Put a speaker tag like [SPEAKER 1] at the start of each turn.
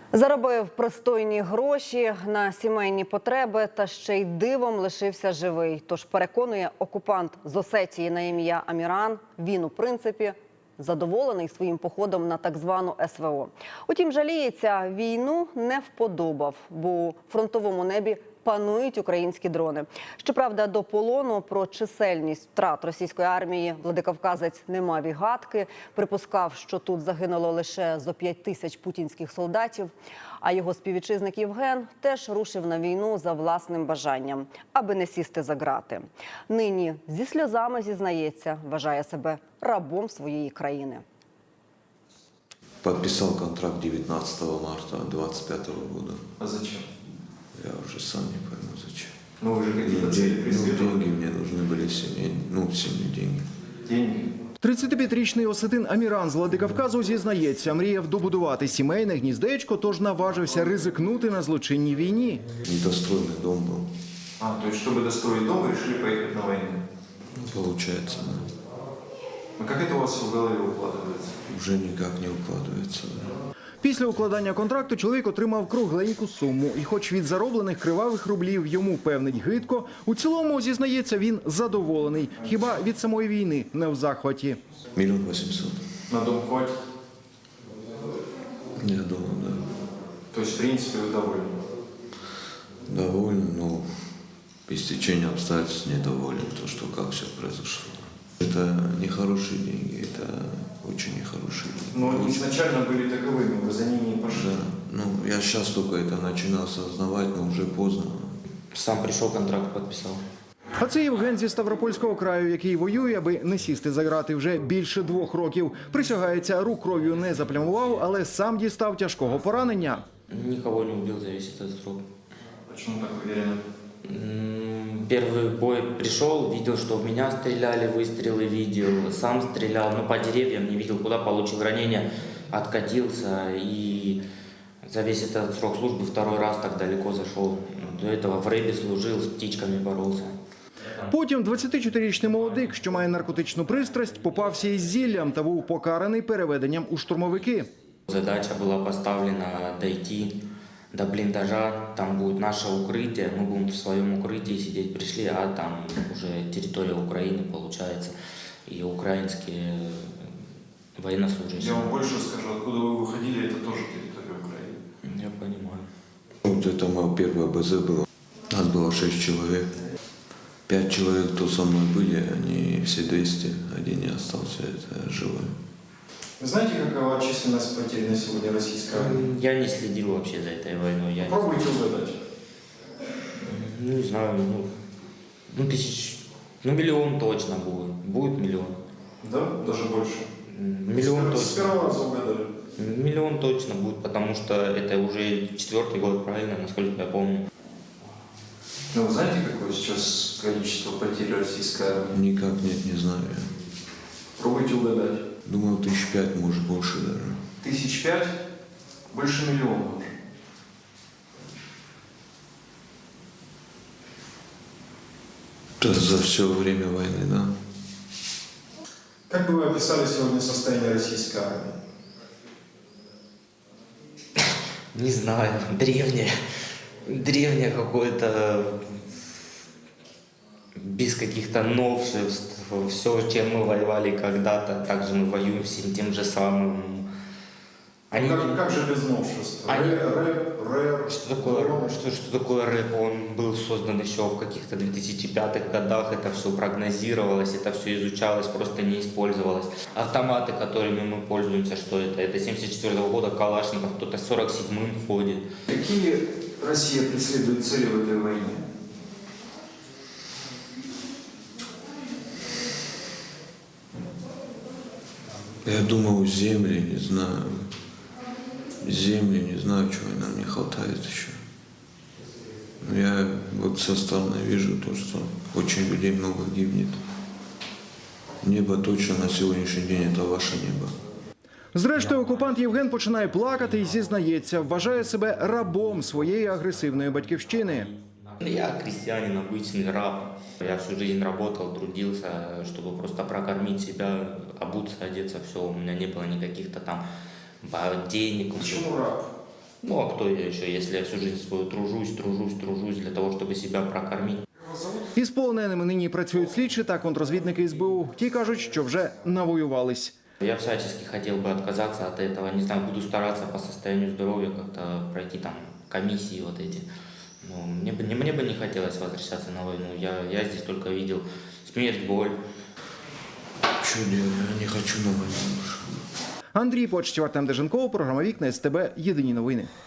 [SPEAKER 1] Заробив пристойні гроші на сімейні потреби та ще й дивом лишився живий. Тож, переконує окупант з Осетії на ім'я Аміран, він, у принципі, задоволений своїм походом на так звану СВО. Утім, жаліється, війну не вподобав, бо у фронтовому небі панують українські дрони. Щоправда, до полону про чисельність втрат російської армії владикавказець не мав і гадки. Припускав, що тут загинуло лише зо 5 тисяч путінських солдатів. А його співвітчизник Євген теж рушив на війну за власним бажанням, аби не сісти за ґрати. Нині зі сльозами зізнається, вважає себе рабом своєї країни.
[SPEAKER 2] Подписал контракт 19 марта 2025 года.
[SPEAKER 3] А зачем?
[SPEAKER 2] Я уже сам не пойму, зачем.
[SPEAKER 3] Ну вы же какие-то цели преследовали.
[SPEAKER 2] Деньги мне нужны были семье, семье деньги.
[SPEAKER 3] Деньги.
[SPEAKER 4] 35-річний осетин Аміран з Владикавказу зізнається, мріяв добудувати сімейне гніздечко, тож наважився ризикнути на злочинній війні.
[SPEAKER 2] Недостроенный дом был.
[SPEAKER 3] А, то есть, чтобы достроить дом, вы решили поехать на войну?
[SPEAKER 2] Получается, да.
[SPEAKER 3] А как это у вас в голове укладывается?
[SPEAKER 2] Уже никак не укладывается. Да.
[SPEAKER 4] Після укладання контракту чоловік отримав кругленьку суму. І хоч від зароблених кривавих рублів йому певнить гидко, у цілому, зізнається, він задоволений. Хіба від самої війни не в захваті.
[SPEAKER 2] 1 800 000.
[SPEAKER 3] На дом хватит?
[SPEAKER 2] Я думаю, да.
[SPEAKER 3] То есть, в принципе, вы довольны?
[SPEAKER 2] Доволен, но по стечению обстоятельств недоволен, то, что как все произошло. Это нехорошие деньги, это очень нехорошие деньги.
[SPEAKER 3] Но они изначально были таковыми, вы за ними не пошли.
[SPEAKER 2] Да. Я сейчас только это начинал осознавать, но уже поздно.
[SPEAKER 5] Сам пришел, контракт подписал.
[SPEAKER 4] А це Євген зі Ставропольського краю, який воює, аби не сісти за ґрати вже більше 2 років. Присягається, рук кров'ю не заплямував, але сам дістав тяжкого поранення.
[SPEAKER 5] Никого не убил за весь этот срок.
[SPEAKER 3] Почему так уверенно?
[SPEAKER 5] Первый бой пришел, видел, что в меня стреляли, выстрелы видел, сам стрелял, но по деревьям не видел, куда получил ранение, откатился и за весь этот срок службы 2-й раз так далеко зашел. До этого в рэбе служил, с птичками боролся.
[SPEAKER 4] Потім 24-річний молодик, що має наркотичну пристрасть, попався із зіллям та був покараний переведенням у штурмовики.
[SPEAKER 5] Задача была поставлена дойти до блиндажа, там будет наше укрытие, мы будем в своем укрытии сидеть, пришли, а там уже территория Украины получается, и украинские военнослужащие.
[SPEAKER 3] Я вам больше скажу, откуда вы выходили, это тоже территория Украины.
[SPEAKER 5] Я понимаю.
[SPEAKER 2] Вот это мое первое БЗ было. Нас было 6 человек. 5 человек, кто со мной были, они все 200, один не остался, это живой.
[SPEAKER 3] Вы знаете, какова численность потерь на сегодня российской армии?
[SPEAKER 5] Я не следил вообще за этой войной. Я
[SPEAKER 3] Попробуйте угадать.
[SPEAKER 5] не знаю, миллион точно будет. Будет миллион.
[SPEAKER 3] Да? Даже больше?
[SPEAKER 5] Миллион
[SPEAKER 3] С
[SPEAKER 5] точно.
[SPEAKER 3] первого раза угадали.
[SPEAKER 5] Миллион точно будет, потому что это уже 4-й год, правильно, насколько я помню.
[SPEAKER 3] Ну, вы знаете, какое сейчас количество потерь российской армии?
[SPEAKER 2] Никак нет, не знаю я.
[SPEAKER 3] Пробуйте угадать.
[SPEAKER 2] Думаю, 5 000, может больше даже.
[SPEAKER 3] 5 000? Больше миллиона уже.
[SPEAKER 2] Это за все время войны, да?
[SPEAKER 3] Как бы вы описали сегодня состояние российской армии?
[SPEAKER 5] Не знаю, древнее какое-то, без каких-то новшеств. Все, чем мы воевали когда-то, также мы воюем всем тем же самым. Они...
[SPEAKER 3] Как же без новшеств?
[SPEAKER 5] Они-
[SPEAKER 3] Рэп.
[SPEAKER 5] Что такое рэп? Он был создан еще в каких-то 2005-х годах, это все прогнозировалось, это все изучалось, просто не использовалось. Автоматы, которыми мы пользуемся, что это? Это 74-го года Калашников, кто-то 47-м ходит.
[SPEAKER 3] Какие Россия преследует цели в этой войне?
[SPEAKER 2] Я думаю, земли, не знаю. Земли, не знаю, чего нам не хватает еще. Но я вот со стороны вижу то, что очень людей много гибнет. Небо точно на сегодняшний день это ваше небо.
[SPEAKER 4] Зрештою, окупант Євген починає плакати і зізнається, вважає себе рабом своєї агресивної батьківщини.
[SPEAKER 5] Я крестьянин, обычный раб. Я всю жизнь работал, трудился, чтобы просто прокормить себя, обуться, одеться, все. У меня не было никаких-то там денег.
[SPEAKER 3] Почему раб?
[SPEAKER 5] Ну а кто я еще, если я всю жизнь свою тружусь для того, чтобы себя прокормить.
[SPEAKER 4] Із полоненими нині працюють слідчі та контррозвідники СБУ. Ті кажуть, що вже навоювались.
[SPEAKER 5] Я всячески хотел бы отказаться от этого, не знаю, буду стараться по состоянию здоровья как-то пройти там комиссии вот эти. Но мне бы не хотелось возвращаться на войну, я здесь только видел смерть, боль.
[SPEAKER 2] Что делать? Я не хочу на войну больше.
[SPEAKER 4] Андрій Почтів, Артем Деженков, програма «Вікна СТБ». Єдині новини.